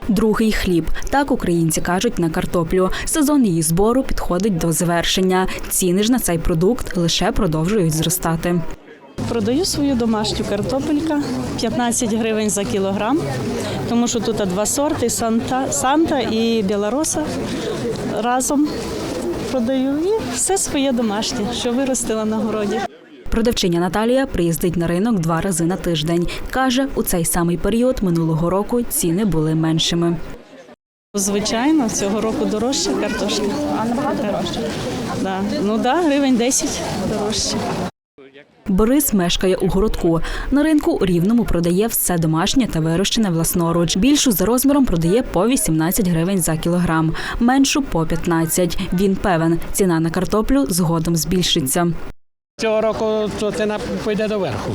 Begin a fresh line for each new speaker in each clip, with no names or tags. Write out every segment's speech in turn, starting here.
Другий хліб. Так українці кажуть на картоплю. Сезон її збору підходить до завершення. Ціни ж на цей продукт лише продовжують зростати.
Продаю свою домашню картопелька, 15 гривень за кілограм, тому що тут два сорти – Санта і Білороса. Разом продаю і все своє домашнє, що виростила на городі.
Продавчиня Наталія приїздить на ринок 2 рази на тиждень. Каже, у цей самий період минулого року ціни були меншими.
Звичайно, цього року дорожча картошка. А набагато дорожче? Так, гривень 10 дорожче.
Борис мешкає у городку. На ринку у Рівному продає все домашнє та вирощене власноруч. Більшу за розміром продає по 18 гривень за кілограм, меншу – по 15. Він певен, ціна на картоплю згодом збільшиться.
Цього року ціна пойде доверху,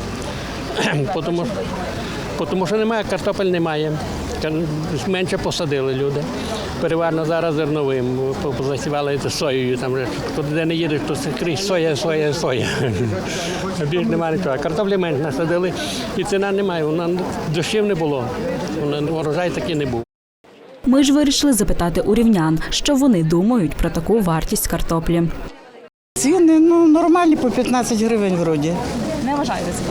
тому що немає, картопель немає. Менше посадили люди. Переважно зараз зерновим, засівали соєю. Там, де не їдеш, то скрізь соя. Більше немає нічого. Картоплі менше насадили і ціна немає. Дощів не було, урожай такий не був.
Ми ж вирішили запитати у рівнян, що вони думають про таку вартість картоплі.
Ціни нормальні, по 15 гривень вроді.
Не вважаєте це?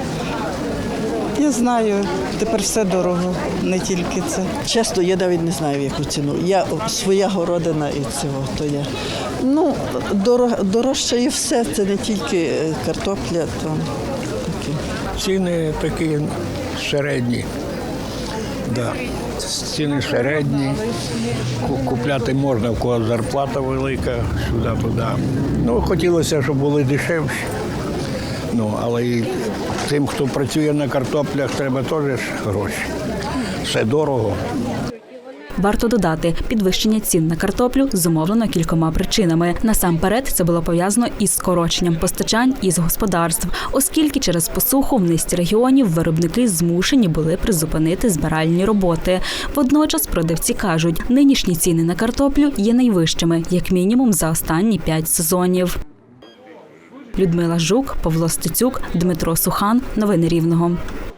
Я знаю, тепер все дорого, не тільки це.
Чесно, я навіть не знаю, в яку ціну. Я своя городина і цього, то я. Дорожче і все, це не тільки картопля, то такі.
Ціни такі середні. Да. Ціни середні, купляти можна, в кого зарплата велика, сюди-туди. Хотілося, щоб були дешевші. Але і тим, хто працює на картоплях, треба теж гроші. Все дорого.
Варто додати, підвищення цін на картоплю зумовлено кількома причинами. Насамперед, це було пов'язано із скороченням постачань із господарств, оскільки через посуху в низці регіонів виробники змушені були призупинити збиральні роботи. Водночас продавці кажуть, нинішні ціни на картоплю є найвищими, як мінімум за останні 5 сезонів. Людмила Жук, Павло Стецюк, Дмитро Сухан. Новини Рівного.